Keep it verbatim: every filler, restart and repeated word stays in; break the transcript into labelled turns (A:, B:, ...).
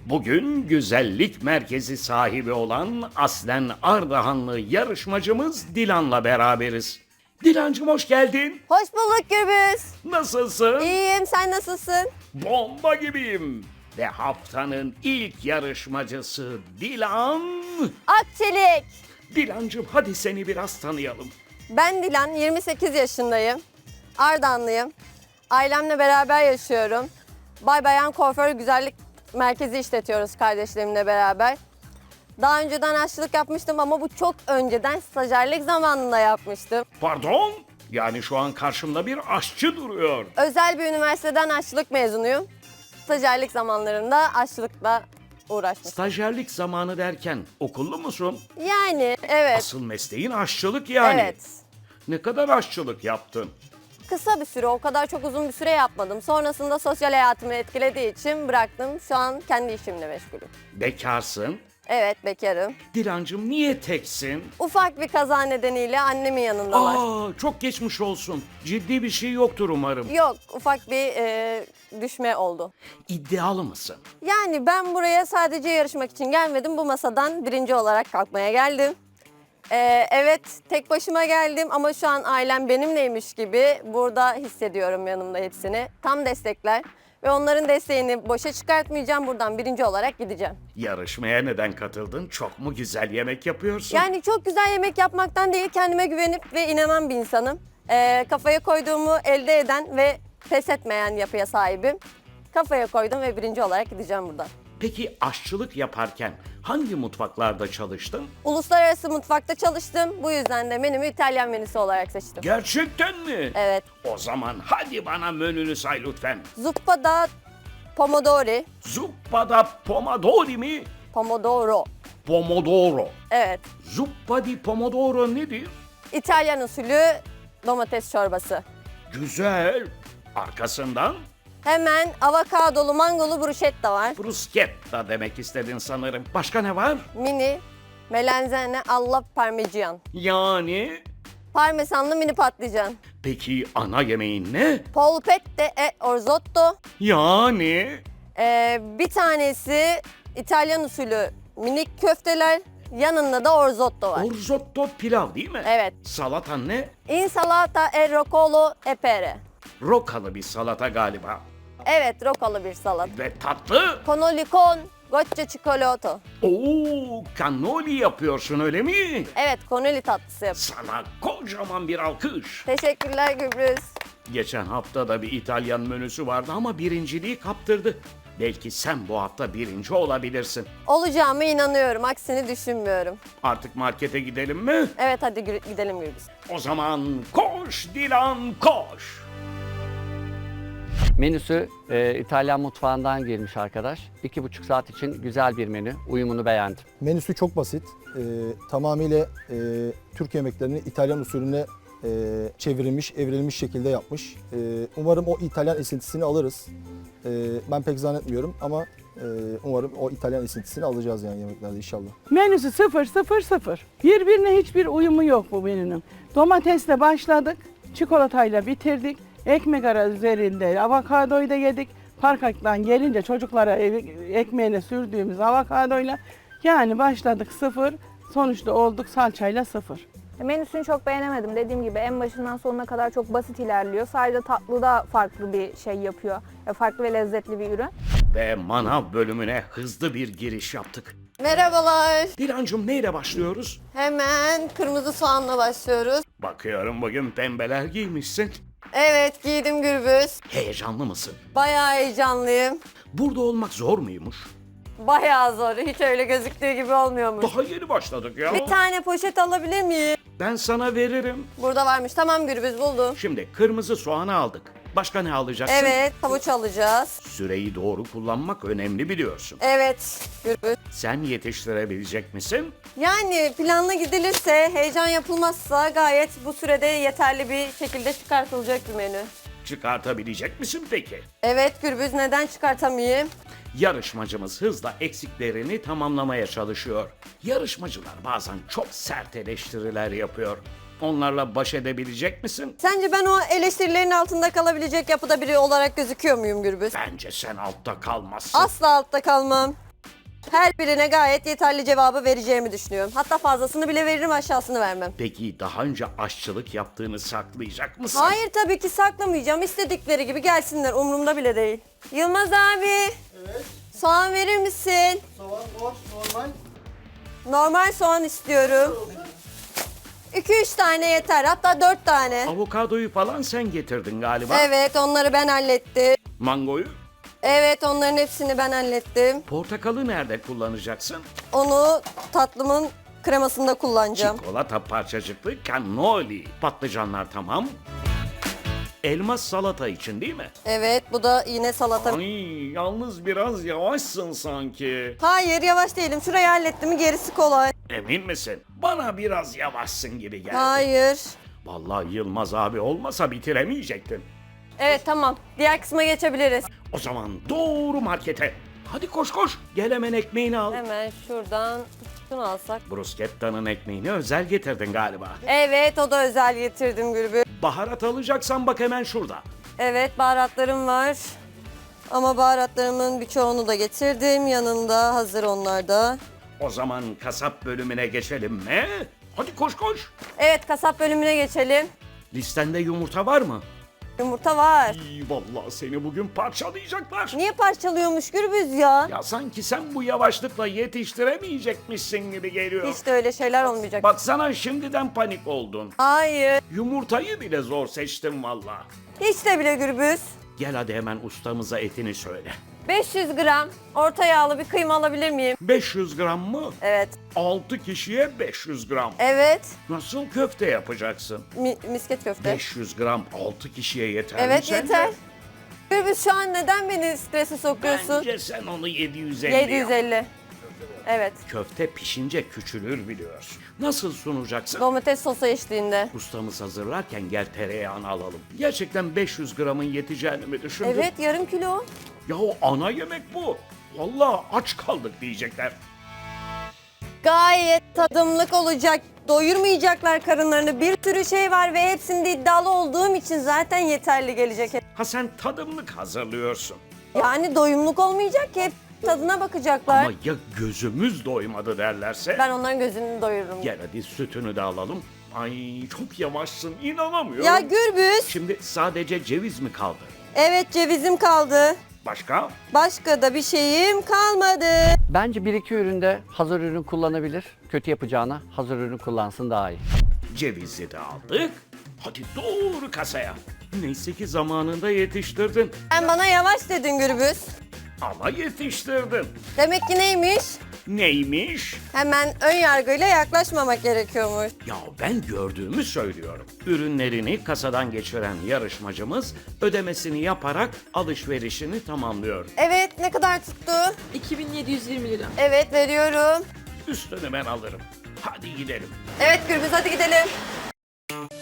A: Bugün güzellik merkezi sahibi olan aslen Ardahanlı yarışmacımız Dilan'la beraberiz. Dilancığım hoş geldin.
B: Hoş bulduk Gürbüz.
A: Nasılsın?
B: İyiyim, sen nasılsın?
A: Bomba gibiyim. Ve haftanın ilk yarışmacısı Dilan.
B: Akçelik.
A: Dilancığım hadi seni biraz tanıyalım.
B: Ben Dilan, yirmi sekiz yaşındayım. Ardahanlıyım. Ailemle beraber yaşıyorum. Bay Bayan Kuaför Güzellik Merkezi işletiyoruz kardeşlerimle beraber. Daha önceden aşçılık yapmıştım ama bu çok önceden stajyerlik zamanında yapmıştım.
A: Pardon? Yani şu an karşımda bir aşçı duruyor.
B: Özel bir üniversiteden aşçılık mezunuyum. Stajyerlik zamanlarında aşçılıkla uğraşmıştım.
A: Stajyerlik zamanı derken okullu musun?
B: Yani evet,
A: Asıl mesleğin aşçılık yani.
B: evet.
A: Ne kadar aşçılık yaptın?
B: Kısa bir süre, o kadar çok uzun bir süre yapmadım. Sonrasında sosyal hayatımı etkilediği için bıraktım. Şu an kendi işimle meşgulüm.
A: Bekarsın.
B: Evet, bekarım.
A: Dilancığım niye teksin?
B: Ufak bir kaza nedeniyle annemin yanında var.
A: Aa, çok geçmiş olsun. Ciddi bir şey yoktur umarım.
B: Yok, ufak bir e, düşme oldu.
A: İddialı mısın?
B: Yani ben buraya sadece yarışmak için gelmedim. Bu masadan birinci olarak kalkmaya geldim. E, evet, tek başıma geldim ama şu an ailem benimleymiş gibi burada hissediyorum yanımda hepsini. Tam destekler ve onların desteğini boşa çıkartmayacağım. Buradan birinci olarak gideceğim.
A: Yarışmaya neden katıldın? Çok mu güzel yemek yapıyorsun?
B: Yani çok güzel yemek yapmaktan değil, kendime güvenip ve inanan bir insanım. Ee, kafaya koyduğumu elde eden ve pes etmeyen yapıya sahibim. Kafaya koydum ve birinci olarak gideceğim buradan.
A: Peki aşçılık yaparken hangi mutfaklarda çalıştın?
B: Uluslararası mutfakta çalıştım. Bu yüzden de menümü İtalyan menüsü olarak seçtim.
A: Gerçekten mi?
B: Evet.
A: O zaman hadi bana menünü say lütfen.
B: Zuppa da pomodori,
A: Zuppa da pomodori mi?
B: pomodoro.
A: Pomodoro.
B: Evet.
A: Zuppa di pomodoro nedir?
B: İtalyan usulü domates çorbası.
A: Güzel. Arkasından
B: Hemen avokadolu mangolu bruschetta var.
A: bruschetta demek istedin sanırım. Başka ne var?
B: Mini melanzane alla parmigian.
A: Yani?
B: Parmesanlı mini patlıcan.
A: Peki ana yemeğin ne?
B: Polpette e orzotto.
A: Yani?
B: Ee, bir tanesi İtalyan usulü minik köfteler. Yanında da orzotto var.
A: Orzotto pilav değil mi?
B: Evet.
A: Salatan ne?
B: Insalata e roccolo e pere.
A: Rokalı bir salata galiba.
B: Evet, rokalı bir salat.
A: Ve tatlı?
B: Cannoli con goccia cioccolato.
A: Oo, cannoli yapıyorsun öyle mi?
B: Evet, cannoli tatlısı yap.
A: Sana kocaman bir alkış.
B: Teşekkürler Gübrüz.
A: Geçen hafta da bir İtalyan menüsü vardı ama birinciliği kaptırdı. Belki sen bu hafta birinci olabilirsin.
B: Olacağıma inanıyorum, aksini düşünmüyorum.
A: Artık markete gidelim mi?
B: Evet, hadi gü- gidelim Gürbüz.
A: O zaman koş Dilan koş.
C: Menüsü e, İtalyan mutfağından gelmiş arkadaş. İki buçuk saat için güzel bir menü. Uyumunu beğendim.
D: Menüsü çok basit. Ee, tamamıyla e, Türk yemeklerini İtalyan usulüne e, çevrilmiş, evrilmiş şekilde yapmış. E, umarım o İtalyan esintisini alırız. E, ben pek zannetmiyorum ama e, umarım o İtalyan esintisini alacağız yani yemeklerde inşallah.
E: Menüsü sıfır sıfır sıfır. Birbirine hiçbir uyumu yok bu menünün. Domatesle başladık, çikolatayla bitirdik. Ekmek arası üzerinde avokadoyu da yedik. Parkaktan gelince çocuklara ev- ekmeğine sürdüğümüz avokadoyla yani başladık sıfır, sonuçta olduk salçayla sıfır.
F: Menüsünü çok beğenemedim. Dediğim gibi en başından sonuna kadar çok basit ilerliyor. Sadece tatlıda farklı bir şey yapıyor. Farklı ve lezzetli bir ürün.
A: Ve manav bölümüne hızlı bir giriş yaptık.
B: Merhabalar.
A: Dilancığım neyle başlıyoruz?
B: Hemen kırmızı soğanla başlıyoruz.
A: Bakıyorum bugün pembeler giymişsin.
B: Evet, giydim Gürbüz.
A: Heyecanlı mısın?
B: Bayağı heyecanlıyım.
A: Burada olmak zor muymuş?
B: Bayağı zor. Hiç öyle gözüktüğü gibi olmuyormuş.
A: Daha yeni başladık ya.
B: Bir tane poşet alabilir miyim?
A: Ben sana veririm.
B: Burada varmış. Tamam Gürbüz, buldum.
A: Şimdi kırmızı soğanı aldık. Başka ne alacaksın?
B: Evet, havuç alacağız.
A: Süreyi doğru kullanmak önemli biliyorsun.
B: Evet Gürbüz.
A: Sen yetiştirebilecek misin?
B: Yani planla gidilirse, heyecan yapılmazsa gayet bu sürede yeterli bir şekilde çıkartılacak bir menü.
A: Çıkartabilecek misin peki?
B: Evet Gürbüz, neden çıkartamayayım?
A: Yarışmacımız hızla eksiklerini tamamlamaya çalışıyor. Yarışmacılar bazen çok sert eleştiriler yapıyor. Onlarla baş edebilecek misin?
B: Sence ben o eleştirilerin altında kalabilecek yapıda biri olarak gözüküyor muyum Gürbüz?
A: Bence sen altta kalmazsın.
B: Asla altta kalmam. Her birine gayet yeterli cevabı vereceğimi düşünüyorum. Hatta fazlasını bile veririm, aşağısını vermem.
A: Peki daha önce aşçılık yaptığını saklayacak mısın?
B: Hayır, tabii ki saklamayacağım. İstedikleri gibi gelsinler, umurumda bile değil. Yılmaz abi. Evet. Soğan verir misin?
D: Soğan var, normal.
B: Normal soğan istiyorum. iki üç tane yeter, hatta dört tane.
A: Avokadoyu falan sen getirdin galiba.
B: Evet, onları ben hallettim.
A: Mangoyu?
B: Evet, onların hepsini ben hallettim.
A: Portakalı nerede kullanacaksın?
B: Onu tatlımın kremasında kullanacağım.
A: Çikolata parçacıklı cannoli. Patlıcanlar tamam. Elmas salata için değil mi?
B: Evet, bu da yine salata.
A: Ay, yalnız biraz yavaşsın sanki.
B: Hayır, yavaş değilim. Şurayı hallettim mi gerisi kolay.
A: Emin misin? Bana biraz yavaşsın gibi geldi.
B: Hayır.
A: Vallahi Yılmaz abi olmasa bitiremeyecektin.
B: Evet, tamam. Diğer kısma geçebiliriz.
A: O zaman doğru markete. Hadi koş koş. Gel hemen ekmeğini al.
B: Hemen şuradan şunu alsak.
A: Bruschetta'nın ekmeğini özel getirdin galiba.
B: Evet, o da özel getirdim Gürbüz.
A: Baharat alacaksan bak hemen şurada.
B: Evet, baharatlarım var. Ama baharatlarımın birçoğunu da getirdim. Yanında hazır onlar da.
A: O zaman kasap bölümüne geçelim mi? Hadi koş koş.
B: Evet, kasap bölümüne geçelim.
A: Listende yumurta var mı?
B: Yumurta var.
A: İyi vallahi seni bugün parçalayacaklar.
B: Niye parçalıyormuş Gürbüz ya?
A: Ya sanki sen bu yavaşlıkla yetiştiremeyecekmişsin gibi geliyor.
B: Hiç de öyle şeyler olmayacak.
A: Baksana şimdiden panik oldun.
B: Hayır.
A: Yumurtayı bile zor seçtim vallahi.
B: Hiç de bile Gürbüz.
A: Gel hadi hemen ustamıza etini söyle.
B: beş yüz gram orta yağlı bir kıyma alabilir miyim?
A: beş yüz gram mı?
B: Evet.
A: altı kişiye beş yüz gram.
B: Evet.
A: Nasıl köfte yapacaksın?
B: Mi- misket köfte.
A: beş yüz gram altı kişiye yeter mi
B: Evet,
A: sence?
B: yeter. Gürbüz, şu an neden beni strese sokuyorsun?
A: Bence sen onu yedi yüz elli
B: yedi yüz
A: yap.
B: elli. Evet.
A: Köfte pişince küçülür biliyorsun. Nasıl sunacaksın?
B: Domates sosu eşliğinde.
A: Ustamız hazırlarken gel tereyağını alalım. Gerçekten beş yüz gramın yeteceğini mi düşündün?
B: Evet, yarım kilo.
A: Ya o ana yemek bu. Vallahi aç kaldık diyecekler.
B: Gayet tadımlık olacak. Doyurmayacaklar karınlarını. Bir sürü şey var ve hepsinde iddialı olduğum için zaten yeterli gelecek.
A: Ha sen tadımlık hazırlıyorsun.
B: Yani doyumluk olmayacak ki. Hep tadına bakacaklar.
A: Ama ya gözümüz doymadı derlerse?
B: Ben onların gözünü doyururum.
A: Gel hadi sütünü de alalım. Ay çok yavaşsın inanamıyorum.
B: Ya Gürbüz.
A: Şimdi sadece ceviz mi kaldı?
B: Evet, cevizim kaldı.
A: Başka?
B: Başka da bir şeyim kalmadı.
C: Bence bir iki üründe hazır ürün kullanabilir. Kötü yapacağına hazır ürün kullansın daha iyi.
A: Cevizi de aldık. Hadi doğru kasaya. Neyse ki zamanında yetiştirdin.
B: Sen bana yavaş dedin Gürbüz.
A: Ama yetiştirdin.
B: Demek ki neymiş?
A: Neymiş?
B: Hemen ön yargıyla yaklaşmamak gerekiyormuş.
A: Ya ben gördüğümü söylüyorum. Ürünlerini kasadan geçiren yarışmacımız ödemesini yaparak alışverişini tamamlıyor.
B: Evet, ne kadar tuttu?
G: iki bin yedi yüz yirmi lira.
B: Evet, veriyorum.
A: Üstünü ben alırım. Hadi gidelim.
B: Evet Gürbüz, hadi gidelim.